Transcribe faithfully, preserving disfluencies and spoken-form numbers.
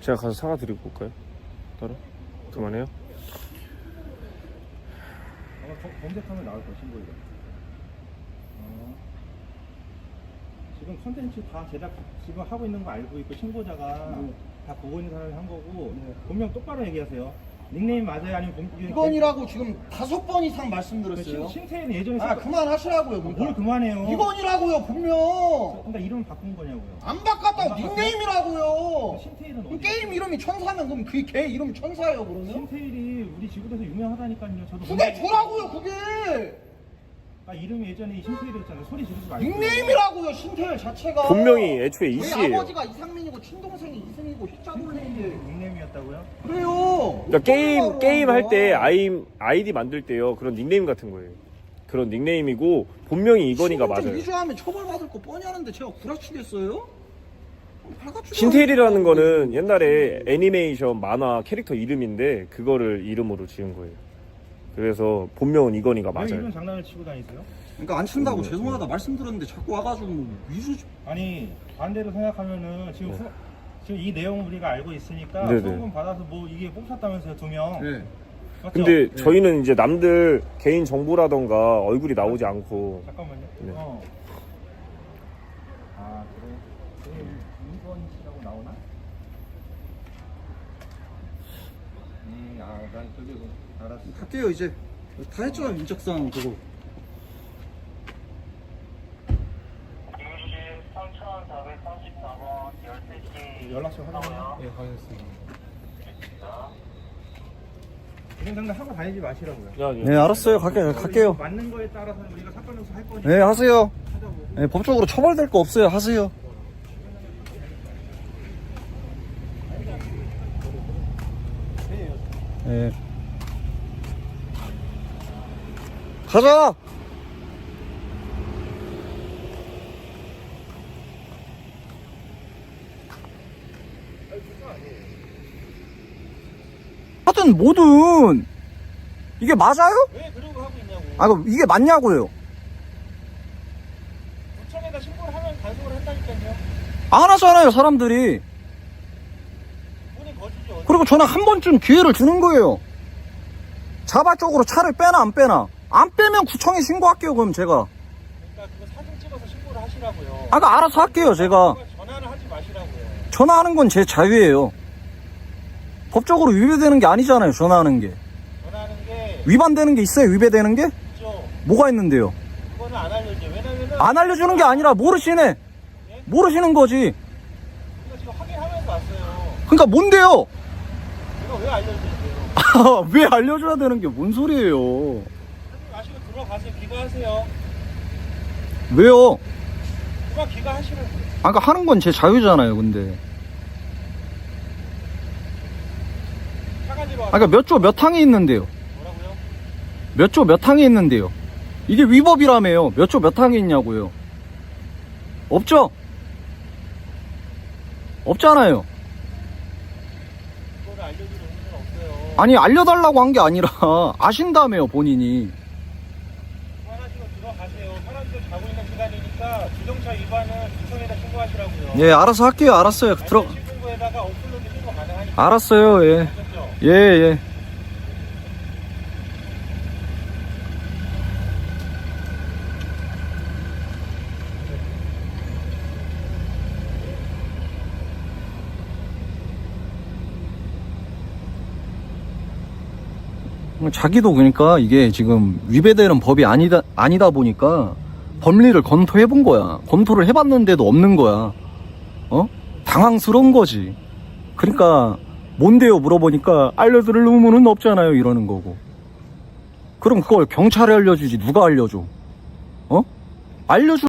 제가 가서 사과 드리고 올까요? 따로? 그만해요? 아마 검색하면 나올 거야, 신고이가. 어. 지금 컨텐츠 다 제작 지금 하고 있는 거 알고 있고 신고자가 네. 다 보고 있는 사람이 한 거고 네. 본명 똑바로 얘기하세요. 닉네임 맞아요? 아니면 본 이건이라고 지금 다섯 번 이상 말씀드렸어요. 신태는 예전에 아 그만하시라고요. 그러니까. 뭘 그만해요? 이건이라고요 분명. 그러니까 이름 바꾼 거냐고요? 안 바꿨다고 닉네임이라고요. 신태일은 그럼 어디? 게임 이름이 천사면 그럼 그 개 이름이 천사예요 그러면? 신태일이 우리 지구에서 유명하다니까요. 저도 그게 저라고요 그게. 아 이름이 예전에 신태일이었잖아요. 소리 지르지 말고. 닉네임이라고요 신태일 자체가. 본명이 애초에 저희 이씨예요. 아버지가 이상민이고 친동생이 이승이고 희자돌레인데. 닉네임이었다고요? 그래요. 그러니까 게임 어쩌라고 게임 할 때 하는 거야. 아이 아이디 만들 때요 그런 닉네임 같은 거예요. 그런 닉네임이고 본명이 이건희가 신분 좀 맞아요. 위조하면 처벌받을 거 뻔히 하는데 제가 구라치겠어요? 신태일이라는 거는 옛날에 애니메이션 만화 캐릭터 이름인데 그거를 이름으로 지은 거예요. 그래서 본명은 이건희가 왜 맞아요. 이런 장난을 치고 다니세요? 그러니까 안 친다고 음, 죄송하다 말씀드렸는데 자꾸 와가지고 뭐 위조. 아니 반대로 생각하면은 지금 네. 수, 지금 이 내용 우리가 알고 있으니까 네네. 소금 받아서 뭐 이게 뽑혔다면서요 두 명. 네. 맞죠? 근데 네. 저희는 이제 남들 개인 정보라던가 얼굴이 나오지 않고 잠깐만요. 네. 어. 아 그래. 이건 씨라고 나오나? 음, 아, 난 저기 뭐, 알았어. 할게요 이제. 다 했죠 인적사항 그거. 삼천사백삼십사 번 열세 시 연락처 확인해요. 예, 확인했습니다. 이런 장난 하고 다니지 마시라고요. 네 알았어요 갈게요 갈게요. 맞는 거에 따라서 우리가 사건 조사 할 거니까. 네 하세요. 하자고. 네, 법적으로 처벌될 거 없어요 하세요. 네. 가자. 하여튼 뭐든 이게 맞아요? 왜 그러고 하고 있냐고. 아 그럼 이게 맞냐고요? 구청에다 신고를 하면 단속을 한다니까요. 안 하잖아요 사람들이. 본인 거짓이 어디? 그리고 저는 한 번쯤 기회를 주는 거예요. 자발적으로 차를 빼나 안 빼나. 안 빼면 구청에 신고할게요 그럼 제가. 그러니까 그거 사진 찍어서 신고를 하시라고요. 아까 알아서 할게요 제가. 전화를 하지 마시라고요. 전화하는 건 제 자유예요. 법적으로 위배되는 게 아니잖아요 전화하는 게. 전화하는 게 위반되는 게 있어요 위배되는 게? 있죠. 뭐가 있는데요? 그거는 안 알려줘. 왜냐면은 안 알려주는 게 아니라 모르시네. 모르시는 거지. 이거 지금 확인하면서 왔어요. 그러니까 뭔데요? 이거 왜 알려주세요? 왜 알려줘야 되는 게 뭔 소리예요? 하지 마시고 들어가세요. 귀가하세요. 왜요? 그만 귀가하시라고요. 아까 하는 건 제 자유잖아요 근데. 사가지로 아까 그러니까 몇 조 몇 항이 있는데요. 뭐라고요? 몇 조 몇 항이 있는데요. 이게 위법이라며요. 몇 조 몇 항이 있냐고요. 없죠? 없잖아요. 그거를 알려줄 의무는 없어요. 아니 알려달라고 한 게 아니라 아신다며요 본인이. 그만하시고 들어가세요. 사람들 자고 있는 시간이니까 주정차 위반은 구청에다 신고하시라고요. 예 알아서 할게요. 알았어요. 들어. 신고에다가 업로드 신고 가능하니까. 알았어요. 예. 아셨죠? 예 예. 자기도 그러니까 이게 지금 위배되는 법이 아니다 아니다 보니까 법리를 검토해 본 거야. 검토를 해봤는데도 없는 거야. 어? 당황스러운 거지. 그러니까 뭔데요 물어보니까 알려드릴 의무는 없잖아요 이러는 거고. 그럼 그걸 경찰에 알려주지 누가 알려줘? 어? 알려주